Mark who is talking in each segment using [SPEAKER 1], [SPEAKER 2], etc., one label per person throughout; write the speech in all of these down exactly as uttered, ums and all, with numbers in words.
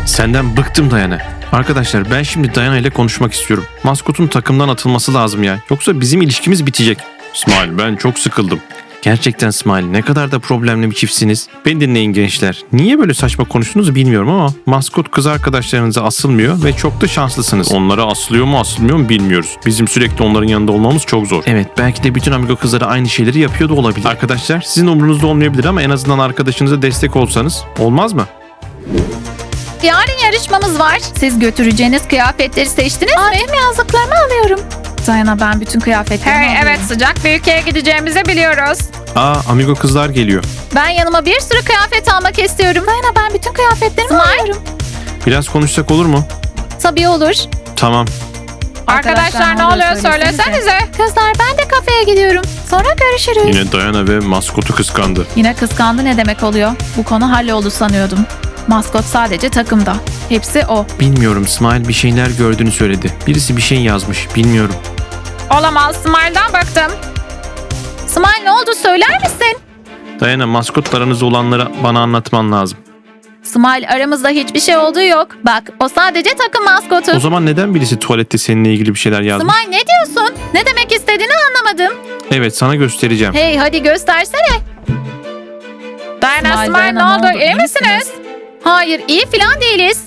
[SPEAKER 1] Senden bıktım Dayana. Arkadaşlar ben şimdi Dayana ile konuşmak istiyorum. Maskotun takımdan atılması lazım ya. Yoksa bizim ilişkimiz bitecek. Smile, ben çok sıkıldım. Gerçekten Smile, ne kadar da problemli bir çiftsiniz. Beni dinleyin gençler. Niye böyle saçma konuştuğunuzu bilmiyorum ama maskot kız arkadaşlarınıza asılmıyor ve çok da şanslısınız. Onlara asılıyor mu asılmıyor mu bilmiyoruz. Bizim sürekli onların yanında olmamız çok zor. Evet, belki de bütün amigo kızları aynı şeyleri yapıyor da olabilir. Arkadaşlar sizin umurunuzda olmayabilir ama en azından arkadaşınıza destek olsanız olmaz mı?
[SPEAKER 2] Yarın yarışmamız var. Siz götüreceğiniz kıyafetleri seçtiniz mi? Tüm yazdıklarımı alıyorum. Dayana, ben bütün kıyafetlerimi
[SPEAKER 3] Hey,
[SPEAKER 2] alıyorum.
[SPEAKER 3] evet, sıcak bir ülkeye gideceğimizi biliyoruz.
[SPEAKER 1] Aa, amigo kızlar geliyor.
[SPEAKER 2] Ben yanıma bir sürü kıyafet almak istiyorum. Dayana, ben bütün kıyafetlerimi alıyorum.
[SPEAKER 1] Biraz konuşsak olur mu?
[SPEAKER 2] Tabii olur.
[SPEAKER 1] Tamam.
[SPEAKER 3] Arkadaşlar, ne oluyor söylesenize.
[SPEAKER 2] Kızlar, ben de kafeye gidiyorum. Sonra görüşürüz.
[SPEAKER 1] Yine Dayana ve maskotu kıskandı.
[SPEAKER 2] Yine kıskandı ne demek oluyor? Bu konu halloldu sanıyordum. Maskot sadece takımda. Hepsi o.
[SPEAKER 1] Bilmiyorum, Smile bir şeyler gördüğünü söyledi. Birisi bir şey yazmış, bilmiyorum.
[SPEAKER 3] Olamaz, Smile'dan bıktım.
[SPEAKER 2] Smile, ne oldu söyler misin?
[SPEAKER 1] Dayana, maskotlarınızda olanları bana anlatman lazım.
[SPEAKER 2] Smile, aramızda hiçbir şey olduğu yok. Bak, o sadece takım maskotu.
[SPEAKER 1] O zaman neden birisi tuvalette seninle ilgili bir şeyler yazmış?
[SPEAKER 2] Smile, ne diyorsun? Ne demek istediğini anlamadım.
[SPEAKER 1] Evet, sana göstereceğim.
[SPEAKER 2] Hey, hadi göstersene.
[SPEAKER 3] Dayana,
[SPEAKER 2] Smile,
[SPEAKER 3] Smile,
[SPEAKER 2] Dayana,
[SPEAKER 3] ne oldu, iyi misiniz?
[SPEAKER 2] Hayır, iyi falan değiliz.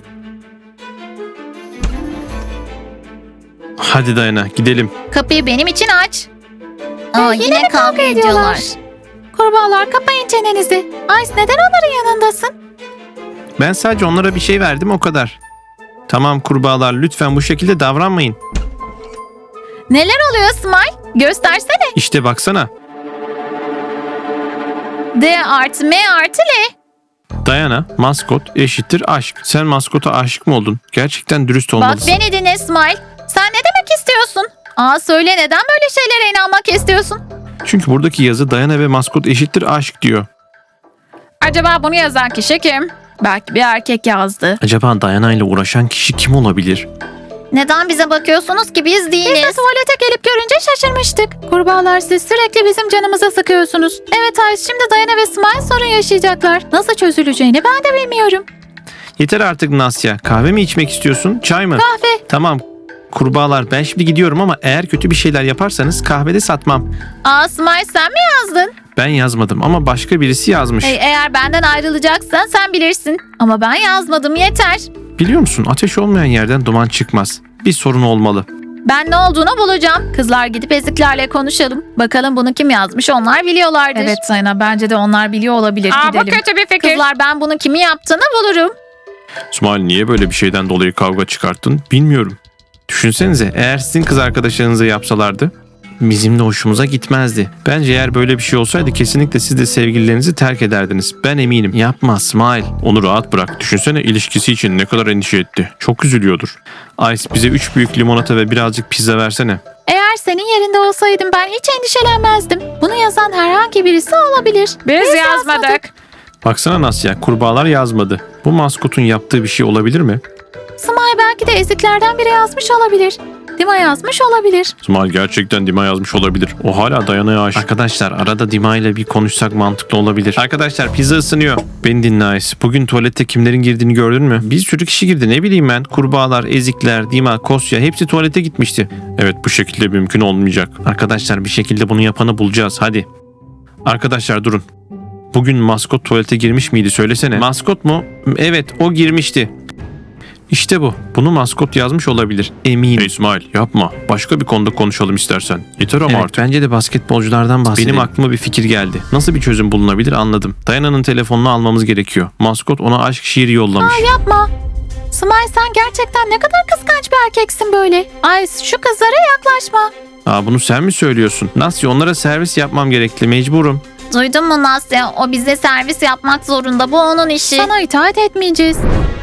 [SPEAKER 1] Hadi Dayana, gidelim.
[SPEAKER 2] Kapıyı benim için aç.
[SPEAKER 4] Aa, yine, kavga ediyorlar.
[SPEAKER 2] Kurbağalar, kapayın çenenizi. Ice, neden onların yanındasın?
[SPEAKER 1] Ben sadece onlara bir şey verdim, o kadar. Tamam kurbağalar, lütfen bu şekilde davranmayın.
[SPEAKER 2] Neler oluyor Smile? Göstersene.
[SPEAKER 1] İşte baksana.
[SPEAKER 2] D artı M artı L.
[SPEAKER 1] Dayana, maskot eşittir aşk. Sen maskota aşık mı oldun? Gerçekten dürüst
[SPEAKER 2] Bak,
[SPEAKER 1] olmalısın.
[SPEAKER 2] beni dinle Smile. Sen ne demek istiyorsun? Aa, söyle, neden böyle şeylere inanmak istiyorsun?
[SPEAKER 1] Çünkü buradaki yazı Dayana ve maskot eşittir aşk diyor.
[SPEAKER 3] Acaba bunu yazan kişi kim?
[SPEAKER 2] Belki bir erkek yazdı.
[SPEAKER 1] Acaba Dayana ile uğraşan kişi kim olabilir?
[SPEAKER 4] Neden bize bakıyorsunuz ki biz değiliz?
[SPEAKER 2] Biz de tuvalete gelip görünce şaşırmıştık. Kurbağalar, siz sürekli bizim canımıza sıkıyorsunuz. Evet Ice, şimdi Dayana ve Smile sorun yaşayacaklar. Nasıl çözüleceğini ben de bilmiyorum.
[SPEAKER 1] Yeter artık Nasya. Kahve mi içmek istiyorsun? Çay mı?
[SPEAKER 2] Kahve.
[SPEAKER 1] Tamam. Kurbağalar, ben şimdi gidiyorum ama eğer kötü bir şeyler yaparsanız kahvede satmam.
[SPEAKER 2] Aa, Smile, sen mi yazdın?
[SPEAKER 1] Ben yazmadım ama başka birisi yazmış.
[SPEAKER 2] Hey, eğer benden ayrılacaksan sen bilirsin. Ama ben yazmadım, yeter.
[SPEAKER 1] Biliyor musun, ateş olmayan yerden duman çıkmaz. Bir sorun olmalı.
[SPEAKER 2] Ben ne olduğunu bulacağım. Kızlar, gidip eziklerle konuşalım. Bakalım bunu kim yazmış, onlar biliyorlardır. Evet Sayna, bence de onlar biliyor olabilir.
[SPEAKER 3] Aa, bu kötü bir fikir.
[SPEAKER 2] Kızlar, ben bunu kimin yaptığını bulurum.
[SPEAKER 1] Smile, niye böyle bir şeyden dolayı kavga çıkarttın bilmiyorum. Düşünsenize, eğer sizin kız arkadaşlarınıza yapsalardı bizim de hoşumuza gitmezdi. Bence eğer böyle bir şey olsaydı kesinlikle siz de sevgililerinizi terk ederdiniz. Ben eminim. Yapma Smile. Onu rahat bırak. Düşünsene, ilişkisi için ne kadar endişe etti. Çok üzülüyordur. Ice, bize üç büyük limonata ve birazcık pizza versene.
[SPEAKER 2] Eğer senin yerinde olsaydım ben hiç endişelenmezdim. Bunu yazan herhangi birisi olabilir.
[SPEAKER 3] Biz, yazmadık.
[SPEAKER 1] Baksana Nasya, kurbağalar yazmadı. Bu maskotun yaptığı bir şey olabilir mi?
[SPEAKER 2] Smile belki de eziklerden biri yazmış olabilir. Dima yazmış olabilir.
[SPEAKER 1] Smile gerçekten Dima yazmış olabilir. O hala Dayana'ya aşık. Arkadaşlar, arada Dima ile bir konuşsak mantıklı olabilir. Arkadaşlar, pizza ısınıyor. Beni dinle Ice. Bugün tuvalette kimlerin girdiğini gördün mü? Bir sürü kişi girdi, ne bileyim ben. Kurbağalar, ezikler, Dima, Kosya hepsi tuvalete gitmişti. Evet, bu şekilde mümkün olmayacak. Arkadaşlar, bir şekilde bunu yapanı bulacağız. Hadi. Arkadaşlar durun. Bugün maskot tuvalete girmiş miydi, söylesene. Maskot mu? Evet, o girmişti. İşte bu. Bunu maskot yazmış olabilir. Eminim. Hey İsmail, yapma. Başka bir konuda konuşalım istersen. Yeter ama
[SPEAKER 5] Evet,
[SPEAKER 1] artık. Bence de basketbolculardan bahsedelim. Benim aklıma bir fikir geldi. Nasıl bir çözüm bulunabilir anladım. Dayana'nın telefonunu almamız gerekiyor. Maskot ona aşk şiiri yollamış.
[SPEAKER 2] Aa, yapma. Smile, sen gerçekten ne kadar kıskanç bir erkeksin böyle. Ice, şu kızlara yaklaşma.
[SPEAKER 1] Aa, bunu sen mi söylüyorsun? Nasıl, onlara servis yapmam gerekli. Mecburum.
[SPEAKER 4] Duydun mu Nasya? O bize servis yapmak zorunda. Bu onun işi.
[SPEAKER 2] Sana itaat etmeyeceğiz.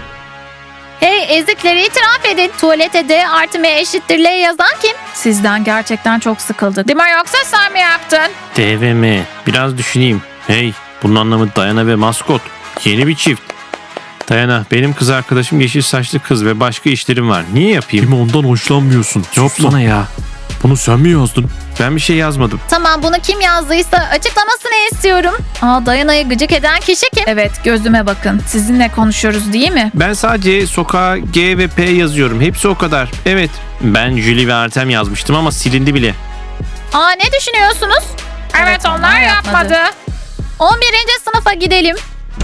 [SPEAKER 2] Hey, ezikleri itiraf edin. Tuvalete D artı M eşittir L yazan kim? Sizden gerçekten çok sıkıldık.
[SPEAKER 3] Dima, yoksa sen mi yaptın?
[SPEAKER 1] D ve M. Biraz düşüneyim. Hey, bunun anlamı Dayana ve maskot. Yeni bir çift. Dayana, benim kız arkadaşım yeşil saçlı kız ve başka işlerim var. Niye yapayım?
[SPEAKER 5] Kimi ondan hoşlanmıyorsun.
[SPEAKER 1] Yapsana ya. Bunu sen mi yazdın? Ben bir şey yazmadım.
[SPEAKER 4] Tamam, bunu kim yazdıysa açıklamasını istiyorum. Aa, Dayana'yı gıcık eden kişi kim?
[SPEAKER 3] Evet, gözüme bakın. Sizinle konuşuyoruz değil mi?
[SPEAKER 1] Ben sadece sokağa G ve P yazıyorum. Hepsi o kadar. Evet. Ben Julie ve Artem yazmıştım ama silindi bile.
[SPEAKER 4] Aa, ne düşünüyorsunuz?
[SPEAKER 3] Evet, onlar yapmadı.
[SPEAKER 4] on birinci sınıfa gidelim.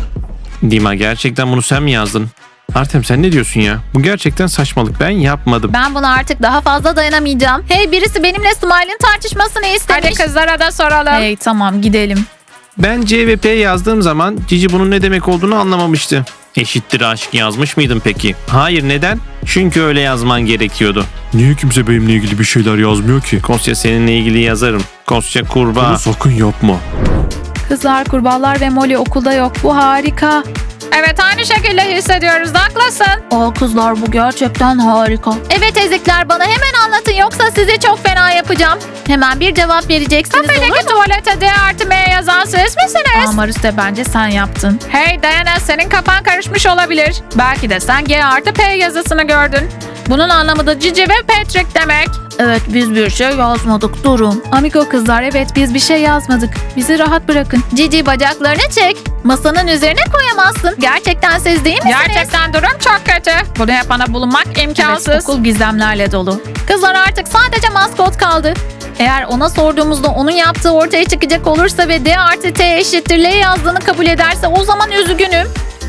[SPEAKER 1] Dima, gerçekten bunu sen mi yazdın? Artem, sen ne diyorsun ya? Bu gerçekten saçmalık. Ben yapmadım.
[SPEAKER 4] Ben buna artık daha fazla dayanamayacağım. Hey, birisi benimle Smile'in tartışmasını istemiş.
[SPEAKER 3] Hadi kızlara da soralım.
[SPEAKER 2] Hey tamam gidelim.
[SPEAKER 1] Ben C ve P yazdığım zaman Cici bunun ne demek olduğunu anlamamıştı. Eşittir aşk yazmış mıydın peki? Hayır, neden? Çünkü öyle yazman gerekiyordu.
[SPEAKER 5] Niye kimse benimle ilgili bir şeyler yazmıyor ki?
[SPEAKER 1] Kosya, seninle ilgili yazarım. Kosya kurbağa.
[SPEAKER 5] Bunu sakın yapma.
[SPEAKER 2] Kızlar, kurbağalar ve Molly okulda yok. Bu harika.
[SPEAKER 3] Evet, aynı şekilde hissediyoruz. Haklısın.
[SPEAKER 2] Aa kızlar, bu gerçekten harika.
[SPEAKER 4] Evet ezikler, bana hemen anlatın yoksa sizi çok fena yapacağım. Hemen bir cevap vereceksiniz, olur mu?
[SPEAKER 3] Peki tuvalete D artı M yazan siz misiniz?
[SPEAKER 2] Aa Mariste, bence sen yaptın.
[SPEAKER 3] Hey Diana, senin kafan karışmış olabilir. Belki de sen G artı P yazısını gördün. Bunun anlamı da Cici ve Patrick demek.
[SPEAKER 2] Evet, biz bir şey yazmadık, durun. Amigo kızlar, evet biz bir şey yazmadık. Bizi rahat bırakın.
[SPEAKER 4] Cici, bacaklarını çek. Masanın üzerine koyamazsın. Gerçekten siz değil misiniz?
[SPEAKER 3] Gerçekten durum çok kötü. Bunu yapana bulunmak imkansız.
[SPEAKER 2] Evet, okul gizemlerle dolu.
[SPEAKER 4] Kızlar, artık sadece maskot kaldı. Eğer ona sorduğumuzda onun yaptığı ortaya çıkacak olursa ve D artı T eşittir L yazdığını kabul ederse o zaman üzgünüm.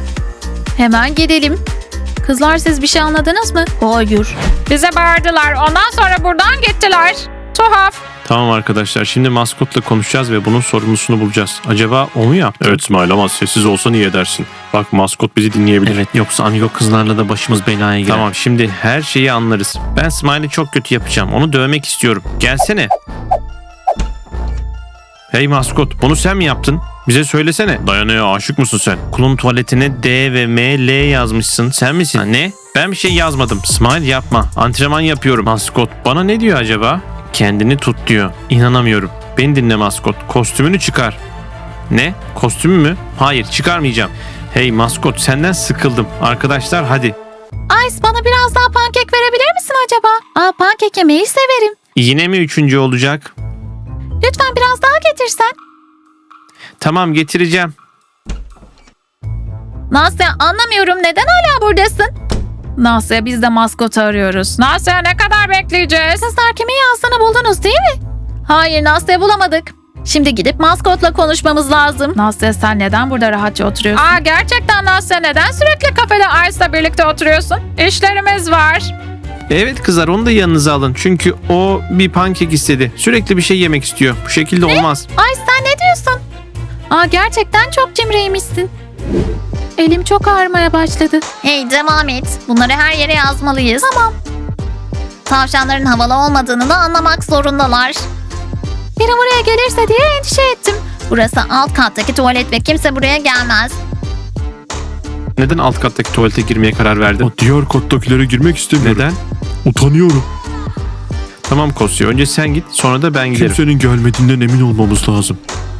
[SPEAKER 4] Hemen gidelim.
[SPEAKER 2] Kızlar, siz bir şey anladınız mı? Hayır.
[SPEAKER 3] Bize bağırdılar. Ondan sonra buradan gittiler. Tuhaf.
[SPEAKER 1] Tamam arkadaşlar, şimdi maskotla konuşacağız ve bunun sorumlusunu bulacağız. Acaba o mu yaptı?
[SPEAKER 5] Evet İsmail, ama sessiz olsan iyi edersin. Bak, maskot bizi dinleyebilir.
[SPEAKER 1] Evet, yoksa amigo kızlarla da başımız belaya girer. Tamam, şimdi her şeyi anlarız. Ben Smile'i çok kötü yapacağım. Onu dövmek istiyorum. Gelsene. Hey maskot, bunu sen mi yaptın? Bize söylesene.
[SPEAKER 5] Dayana'ya aşık mısın sen?
[SPEAKER 1] Okulun tuvaletine D ve M, L yazmışsın. Sen misin? Ha, ne? Ben bir şey yazmadım. Smile yapma. Antrenman yapıyorum. Maskot bana ne diyor acaba? Kendini tut diyor. İnanamıyorum. Beni dinle maskot. Kostümünü çıkar. Ne? Kostümü mü? Hayır, çıkarmayacağım. Hey maskot, senden sıkıldım. Arkadaşlar hadi.
[SPEAKER 4] Ice, bana biraz daha pankek verebilir misin acaba? Aa, pankek yemeyi severim.
[SPEAKER 1] Yine mi üçüncü olacak?
[SPEAKER 4] Lütfen biraz daha getirsen.
[SPEAKER 1] Tamam, getireceğim.
[SPEAKER 4] Nasya, anlamıyorum, neden hala buradasın?
[SPEAKER 2] Nasya, biz de maskotu arıyoruz.
[SPEAKER 3] Nasya, ne kadar bekleyeceğiz?
[SPEAKER 4] Kızlar, kimin yazdığını buldunuz değil mi? Hayır, Nasya, bulamadık. Şimdi gidip maskotla konuşmamız lazım.
[SPEAKER 2] Nasya, sen neden burada rahatça oturuyorsun?
[SPEAKER 3] Aa, gerçekten Nasya, neden sürekli kafede Ice'la birlikte oturuyorsun? İşlerimiz var.
[SPEAKER 1] Evet kızlar, onu da yanınıza alın. Çünkü o bir pankek istedi. Sürekli bir şey yemek istiyor. Bu şekilde olmaz.
[SPEAKER 4] Ay, sen ne diyorsun? Aa, gerçekten çok cimriymişsin.
[SPEAKER 2] Elim çok ağrımaya başladı.
[SPEAKER 4] Hey, devam et. Bunları her yere yazmalıyız. Tamam. Tavşanların havalı olmadığını da anlamak zorundalar. Biri buraya gelirse diye endişe ettim. Burası alt kattaki tuvalet ve kimse buraya gelmez.
[SPEAKER 1] Neden alt kattaki tuvalete girmeye karar verdin?
[SPEAKER 5] O diğer kattakilere girmek istemiyorum.
[SPEAKER 1] Neden?
[SPEAKER 5] Utanıyorum.
[SPEAKER 1] Tamam Kosya, önce sen git, sonra da ben giderim.
[SPEAKER 5] Kimsenin gelmediğinden emin olmamız lazım.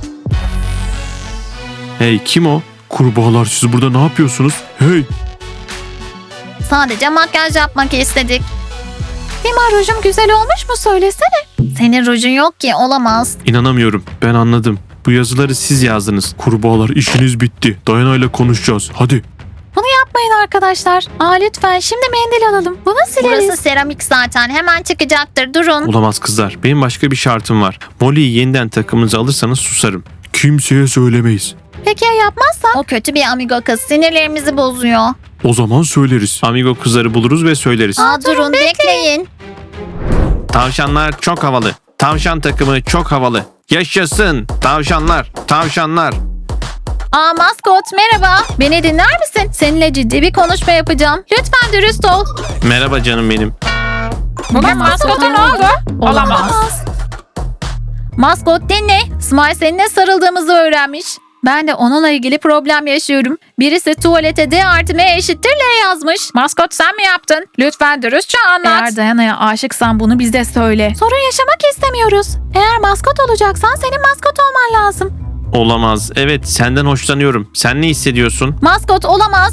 [SPEAKER 1] Hey, kim o?
[SPEAKER 5] Kurbağalar, siz burada ne yapıyorsunuz? Hey!
[SPEAKER 4] Sadece makyaj yapmak istedik. Dima, rujum güzel olmuş mu, söylesene. Senin rujun yok ki, olamaz.
[SPEAKER 1] İnanamıyorum. Ben anladım. Bu yazıları siz yazdınız.
[SPEAKER 5] Kurbağalar, işiniz bitti. Dayana'yla konuşacağız. Hadi.
[SPEAKER 4] Bunu yapmayın arkadaşlar. Aa, lütfen şimdi mendil alalım. Bunu sileriz. Burası seramik zaten, hemen çıkacaktır, durun.
[SPEAKER 1] Olamaz kızlar. Benim başka bir şartım var. Molly'yi yeniden takımınıza alırsanız susarım.
[SPEAKER 5] Kimseye söylemeyiz.
[SPEAKER 4] Peki ya yapmazsak? O kötü bir amigo kız, sinirlerimizi bozuyor.
[SPEAKER 5] O zaman söyleriz.
[SPEAKER 1] Amigo kızları buluruz ve söyleriz.
[SPEAKER 4] Aa, durun, bekleyin.
[SPEAKER 1] Tavşanlar çok havalı. Tavşan takımı çok havalı. Yaşasın. Tavşanlar. Tavşanlar.
[SPEAKER 4] Aa, maskot merhaba. Beni dinler misin? Seninle ciddi bir konuşma yapacağım. Lütfen dürüst ol.
[SPEAKER 1] Merhaba canım benim.
[SPEAKER 3] Bugün maskota ne oldu? Olamaz.
[SPEAKER 4] Maskot dinle. Smile seninle sarıldığımızı öğrenmiş. Ben de onunla ilgili problem yaşıyorum. Birisi tuvalete D artı M eşittir L yazmış.
[SPEAKER 3] Maskot sen mi yaptın? Lütfen dürüstçe anlat.
[SPEAKER 2] Eğer Dayana'ya aşıksan bunu bize söyle.
[SPEAKER 4] Sorun yaşamak istemiyoruz. Eğer maskot olacaksan senin maskot olman lazım.
[SPEAKER 1] Olamaz. Evet, senden hoşlanıyorum. Sen ne hissediyorsun?
[SPEAKER 4] Maskot olamaz.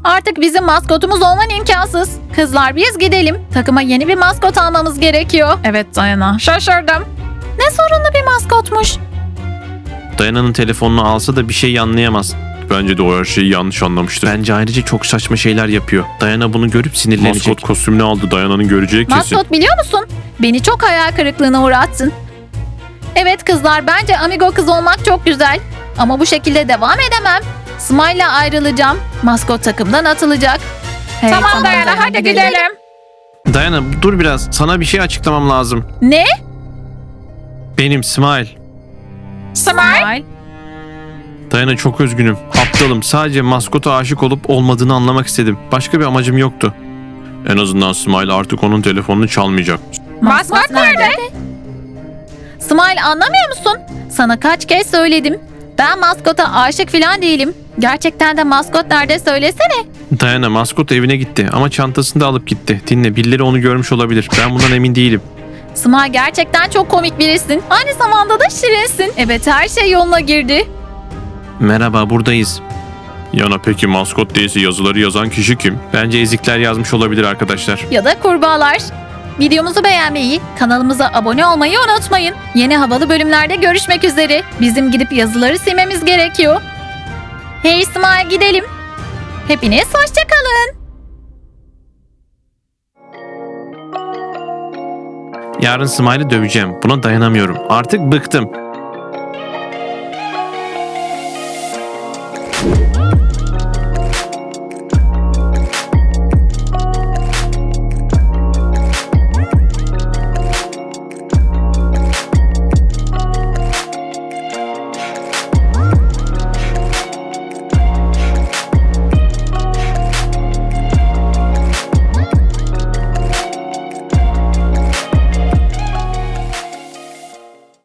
[SPEAKER 2] Artık bizim maskotumuz olman imkansız. Kızlar biz gidelim. Takıma yeni bir maskot almamız gerekiyor.
[SPEAKER 3] Evet Dayana. Şaşırdım.
[SPEAKER 2] Ne sorunlu bir maskotmuş.
[SPEAKER 1] Dayana'nın telefonunu alsa da bir şey anlayamaz.
[SPEAKER 5] Bence de o her şeyi yanlış anlamıştır.
[SPEAKER 1] Bence ayrıca çok saçma şeyler yapıyor. Dayana bunu görüp sinirlenecek.
[SPEAKER 5] Maskot kostümünü aldı. Dayana'nın göreceği kesin.
[SPEAKER 2] Maskot biliyor musun? Beni çok hayal kırıklığına uğrattın. Evet kızlar bence amigo kız olmak çok güzel. Ama bu şekilde devam edemem. Smile'la ayrılacağım. Maskot takımdan atılacak. Hey,
[SPEAKER 3] tamam Dayana hadi gidelim.
[SPEAKER 1] Dayana dur biraz. Sana bir şey açıklamam lazım.
[SPEAKER 2] Ne?
[SPEAKER 1] Benim Smile.
[SPEAKER 3] Smile.
[SPEAKER 1] Dayana çok üzgünüm. Aptalım. Sadece maskota aşık olup olmadığını anlamak istedim. Başka bir amacım yoktu.
[SPEAKER 5] En azından Smile artık onun telefonunu çalmayacak.
[SPEAKER 3] Maskot nerede?
[SPEAKER 2] Smile anlamıyor musun? Sana kaç kez söyledim. Ben maskota aşık falan değilim. Gerçekten de maskot nerede söylesene.
[SPEAKER 1] Dayana maskot evine gitti ama çantasını da alıp gitti. Dinle birileri onu görmüş olabilir. Ben bundan emin değilim.
[SPEAKER 2] Smile gerçekten çok komik birisin. Aynı zamanda da şirinsin. Evet her şey yoluna girdi.
[SPEAKER 1] Merhaba buradayız.
[SPEAKER 5] Yana peki maskot değilse yazıları yazan kişi kim?
[SPEAKER 1] Bence ezikler yazmış olabilir arkadaşlar.
[SPEAKER 2] Ya da kurbağalar. Videomuzu beğenmeyi, kanalımıza abone olmayı unutmayın. Yeni havalı bölümlerde görüşmek üzere. Bizim gidip yazıları silmemiz gerekiyor. Hey Smile gidelim. Hepiniz hoşçakalın.
[SPEAKER 1] Yarın Smile'ı döveceğim. Buna dayanamıyorum. Artık bıktım.